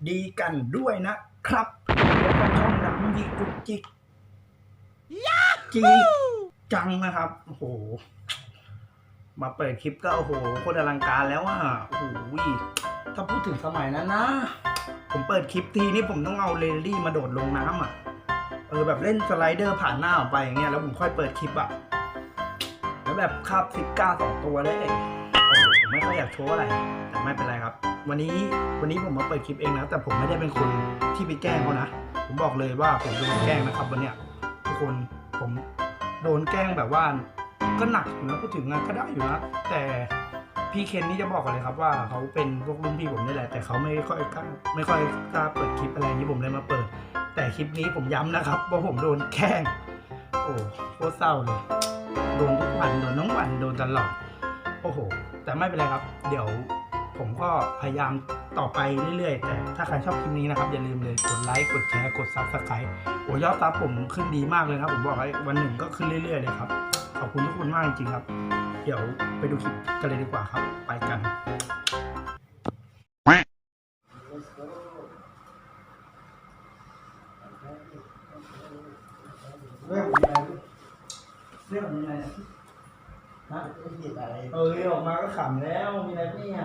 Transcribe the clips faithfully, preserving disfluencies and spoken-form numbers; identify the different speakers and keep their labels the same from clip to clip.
Speaker 1: ดีกันด้วยนะครับแล้วก็ช่องดังยีกุจิกจีจังนะครับโอ้โหมาเปิดคลิปก็โอ้โหโคตรอลังการแล้วอ่ะโอ้โหถ้าพูดถึงสมัยนั้นนะผมเปิดคลิปทีนี่ผมต้องเอาเรลลี่มาโดดลงน้ำอ่ะเออแบบเล่นสไลเดอร์ผ่านหน้าออกไปอย่างเงี้ยแล้วผมค่อยเปิดคลิปอ่ะแล้วแบบคาบซิก้าสองตัวเลยโอ้โหผมไม่ค่อยอยากโชว์อะไรแต่ไม่เป็นไรครับวันนี้วันนี้ผมมาเปิดคลิปเองนะแต่ผมไม่ได้เป็นคนที่ไปแกล้งเขานะผมบอกเลยว่าผมโดนแกล้งนะครับวันเนี้ยทุกคนผมโดนแกล้งแบบว่าก็หนักอยู่นะพูดถึงงานก็ได้อยู่นะแต่พี่เคนนี่จะบอกกันเลยครับว่าเขาเป็นพวกรุ่นพี่ผมนี่แหละแต่เขาไม่ค่อยกล้าไม่ค่อยกล้าเปิดคลิปอะไรนี้ผมเลยมาเปิดแต่คลิปนี้ผมย้ำนะครับว่าผมโดนแกล้งโอ้โคตรเศร้าเลยโดนทุกวันโดนทั้งวันโดนตลอดโอ้โหแต่ไม่เป็นไรครับเดี๋ยวผมก็พยายามต่อไปเรื่อยๆแต่ถ้าใครชอบคลิปนี้นะครับอย่าลืมเลยกดไลค์กดแชร์กดซับสไครต์โอ้ยอดซับผมขึ้นดีมากเลยครับผมบอกให้วันหนึ่งก็ขึ้นเรื่อยๆเลยครับขอบคุณทุกคนมากจริงๆครับเดี๋ยวไปดูคลิปกันเลยดีกว่าครับไปกันเรื่องอะไรเรื่องอะไรนะเออออกมาก็ขำแล้วมีอะไรเนี่ย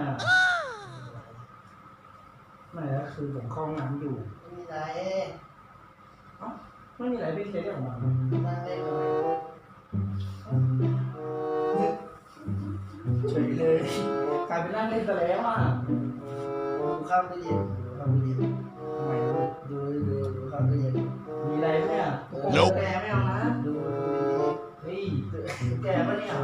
Speaker 1: ไม่แล้วคือผมเข้าห้องน้ำอยู่ไม่มีอะไรเอ้าไม่มีอะไรพี่เคสออกมานั่งเล่นเลยเฉยเลยกลายเป็นนั่งเล่นซะแล้วอ่ะดูข้ามตู้เย็นดูข้ามตู้เย็นทำไมดูดูดูข้ามตู้เย็นมีอะไรเนี่ยโน้แกไม่เอานะดูดูดีๆเฮ้ยแกปะเนี่ย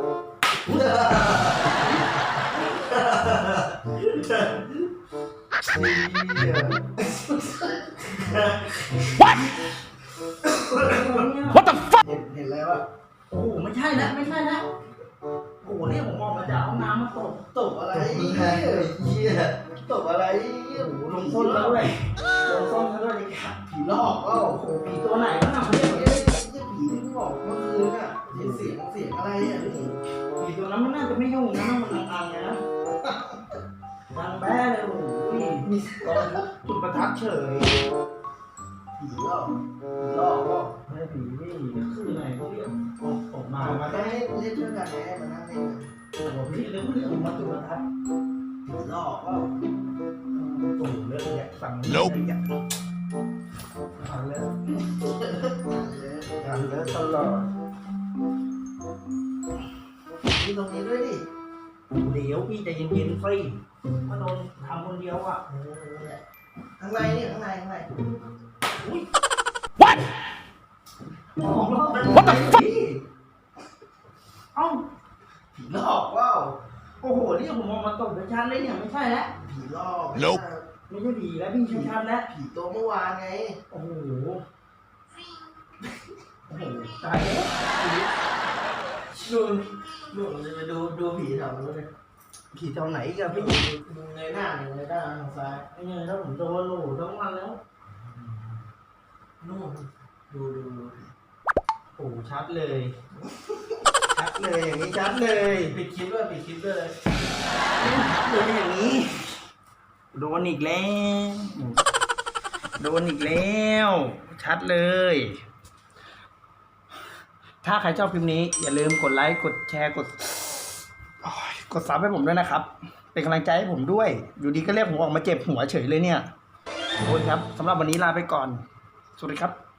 Speaker 1: What What the fuck เห็นเห็นอะไรวะโอ้โหไม่ใช่แล้วไม่ใช่แล้วโอ้โหเนี่ยผมออกมาจากห้องน้ำมาตบตบอะไรเหี้ยตบอะไรโอ้โหลงส้นแล้วเลยลงส้นแล้วด้วยผีหลอกก็โอ้โหผีตัวไหนวะน่ะเนี่ยเนี่ยผีที่บอกเมื่อคืนอ่ะเห็นเสียงเสียงอะไรอ่ะนี่ผีตัวนั้นมันน่าจะไม่ยุ่งนะมันอังๆไงนะดังแบ้เลยโอ้โหมีตอนจุดประทัดเฉยผีหลอกผีหลอกก็ไม่ผีนี่คือไหนเขาเรียกออกมามาได้เล่นด้วยกันไงมานั่งเล่นโอ้โหพี่เรื่องเรื่องมาจุดประทัดผีหลอกก็โอ้โหเรื่องอยากฟังเรื่องอยากฟังเรื่องฟังเรื่องตลอดมีตรงนี้ด้วยดิเดี๋ยวพี่ใจเย็นๆสิมาโดนทำคนเดียวอ่ะข้างในนี่ข้างในข้างในอุ้ย What What the fuck เอ้าผีหลอกว้าวโอ้โหนี่ผมมองมาตกชัดเลยเนี่ยไม่ใช่แล้วผีหลอกไม่ใช่ผีแล้วพี่ชัดแล้วผีตัวเมื่อวานไงโอ้โหโอ้โหตายแล้วดูดูดูดูผีแถวนู้นเลยผีแถวไหนกันพี่ดูในหน้าหนึ่งในด้านทางซ้ายนี่ถ้าผมโดนโหลทั้งวันแล้วนู่นดูดูดูโอ้ชัดเลยชัดเลยอย่างนี้ชัดเลยปิดคลิปด้วยปิดคลิปด้วยโดนอย่างนี้โดนอีกแล้วโดนอีกแล้วชัดเลยถ้าใครชอบคลิปนี้อย่าลืมกดไลค์กดแชร์กดกดซับให้ผมด้วยนะครับเป็นกำลังใจให้ผมด้วยอยู่ดีก็เรียกผมออกมาเจ็บหัวเฉยเลยเนี่ยโอ้ยครับสำหรับวันนี้ลาไปก่อนสวัสดีครับ